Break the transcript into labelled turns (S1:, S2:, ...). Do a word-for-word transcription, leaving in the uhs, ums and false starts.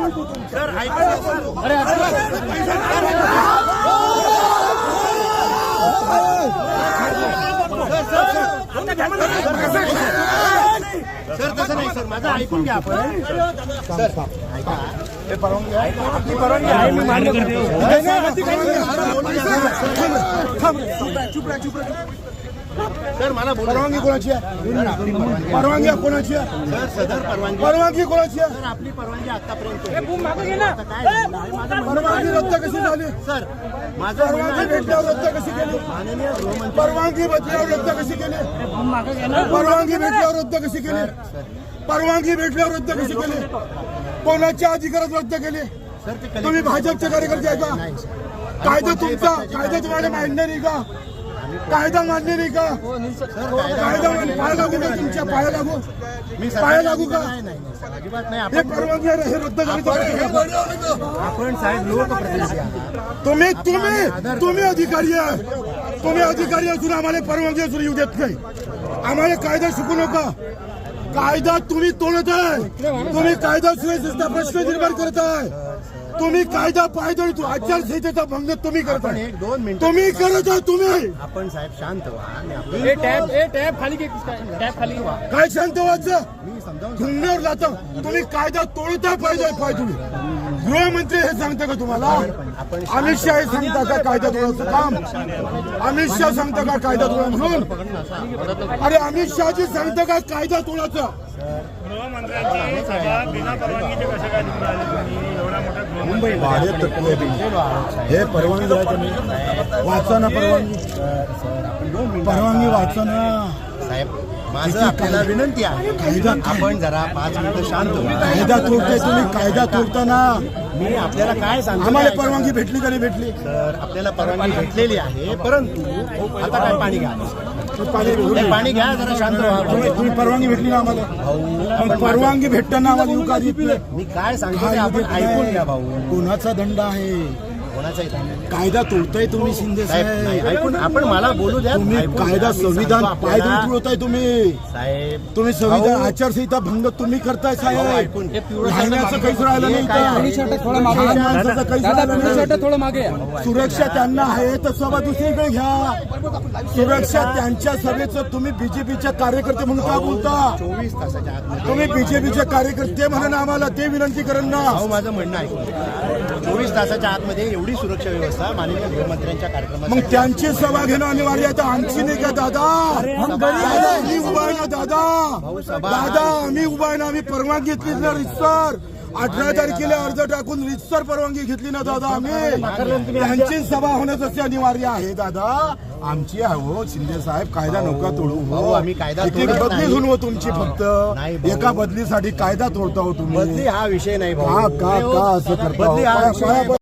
S1: Sir तसं नाही sir, माझं ऐकून घ्या आपण. सर ऐका, हे परवानगी आहे, आपली परवानगी आहे, मी मान्य करतो. सर मला
S2: परवानगी कोणाची आहे? परवानगी कोणाची आहे?
S1: सर सदर परवानगी
S2: परवानगी कोणाची आहे?
S1: सर आपली परवानगी आतापर्यंत
S2: परवानगी रद्द कशी झाली?
S1: सर माझं
S2: परवानगी भेटल्यावर रद्द कशी केली?
S1: माननीय गृहमंत्री
S2: परवानगी भेटल्यावर रद्द कशी केली? परवानगी भेटल्यावर रद्द कशी केली? परवानगी भेटल्यावर रद्द कशी केली? कोणाच्या अधिकारात रद्द केली?
S1: सर ते
S2: तुम्ही भाजपचे कार्यकर्ते आहे का? कायदा तुमचा, कायदा तुम्हाला मान्य नाही का? कायदा मान्य नाही का? कायदा मान्य, पाय लागू का तुमच्या? पाया लागू,
S1: मी
S2: पाया लागू का?
S1: नाही नाही सर, अजिबात नाही.
S2: हे परवानगी आहे, हे रद्द झाली तर
S1: आपण साहेब लोकप्रतिनिधी आहात.
S2: तुम्ही तुम्ही तुम्ही अधिकारी आहे, तुम्ही अधिकारी असून आम्हाला परवानगी असून येऊ देत नाही. आम्हाला कायदा शिकू नका. कायदा तुम्ही तोडत आहे, तुम्ही कायदा सुव्यवस्थेचा प्रश्न निर्माण करत आहे. तुम्ही कायदा पायदळ आचारसंहितेचा भंग तुम्ही करताय.
S1: एक दोन मिनिट
S2: तुम्ही करत आहे. तुम्ही
S1: आपण साहेब शांत व्हा आणि आपण
S3: टॅब ए टॅब खाली टॅब खाली
S2: काय शांत व्हायचं?
S1: मी समजावून
S2: गुन्ह्यावर जातं. तुम्ही कायदा तोडताय. पाहिजे पाय तुम्ही गृहमंत्री हे सांगता का तुम्हाला? अमित शहा हे सांगता का कायदा तोडायचं काम? अमित शहा सांगता का कायदा तोडा म्हणून? अरे अमित शहाजी सांगता का कायदा तोडायचं?
S3: गृहमंत्र्यांची सभा बिना परवानगीचे कसे काय निवडून आले तुम्ही? एवढा मोठा
S1: मुंबई
S2: हे परवानगी आहे तुम्ही वाचा ना. परवानगी परवानगी वाचा ना
S1: साहेब. माझं आपल्याला विनंती आहे,
S2: कायदा
S1: आपण जरा पाच मिनिटं शांत व्हा.
S2: कायदा तोडताय तुम्ही. कायदा तोडताना
S1: मी आपल्याला काय सांगतो,
S2: आम्हाला परवानगी भेटली का नाही भेटली?
S1: तर आपल्याला परवानगी भेटलेली आहे, परंतु आता काय पाणी घ्या,
S2: पाणी
S1: हे पाणी घ्या, जरा शांत व्हा.
S2: तुम्ही परवानगी भेटली ना आम्हाला? मग परवानगी भेटताना आम्हाला येऊ का देत नाही?
S1: मी काय सांगतो ते आपण ऐकून घ्या भाऊ.
S2: कोणाचा दंड आहे?
S1: कोणाचाही नाही.
S2: कायदा तोडताय तुम्ही शिंदे
S1: साहेब नाही,
S2: साहेब.
S1: ऐकून आपण मला बोलू द्या.
S2: तुम्ही
S1: ऐकून
S2: कायदा
S1: घ्या. मी
S2: संविधान
S1: सांगतो
S2: पायदळी
S1: आपल्याला.
S2: तुडवताय तुम्ही.
S1: साहेब
S2: तुम्ही संविधान
S1: भाऊ,
S2: आचारसंहिता भंग तुम्ही करताय
S1: भाऊ,
S2: साहेब.
S1: ऐकून घ्या.
S2: राहण्याचं काहीच राहिलं नाही
S1: काय आहे?
S2: इथं. लहान माणसाचं काहीच राहिलं नाही.
S3: थोडं मागे
S2: सुरक्षा त्यांना आहे तर सभा दुसरीकडे घ्या. सुरक्षा त्यांच्या सभेचं तुम्ही बीजेपीच्या कार्यकर्ते म्हणून का बोलता?
S1: चोवीस तासाच्या आतमध्ये
S2: तुम्ही बीजेपीचे कार्यकर्ते म्हणून आम्हाला ते विनंती करेन ना.
S1: भाऊ माझं म्हणणं ऐकून, चोवीस तासाच्या आतमध्ये एवढी सुरक्षा व्यवस्था माननीय गृहमंत्र्यांच्या कार्यक्रमात.
S2: मग त्यांची सभा घेणं अनिवार्य आहे. तर आमची नाही का दादा? दादा आम्ही उभा आहे ना दादा. दादा आम्ही उभा आहे ना. आम्ही परवानगी घेतली ना रितसर. अठरा तारखेला अर्ज टाकून रितसर परवानगी घेतली ना दादा आम्ही. त्यांची सभा होणं तसे अनिवार्य आहे दादा. आमची आहे हो शिंदे साहेब. कायदा नका तोडू
S1: भाऊ,
S2: हो.
S1: आम्ही कायदा
S2: एक एक
S1: तोडत
S2: बदली
S1: नाही.
S2: होऊन हो तुमची फक्त
S1: नाही भाऊ.
S2: एका बदलीसाठी कायदा तोडता हो तुम्ही.
S1: बदली हा विषय नाही
S2: का
S1: भाऊ.
S2: का का असं करता हो?
S1: बदली हा
S2: पाया-
S1: विषय
S2: पाया-
S1: नाही.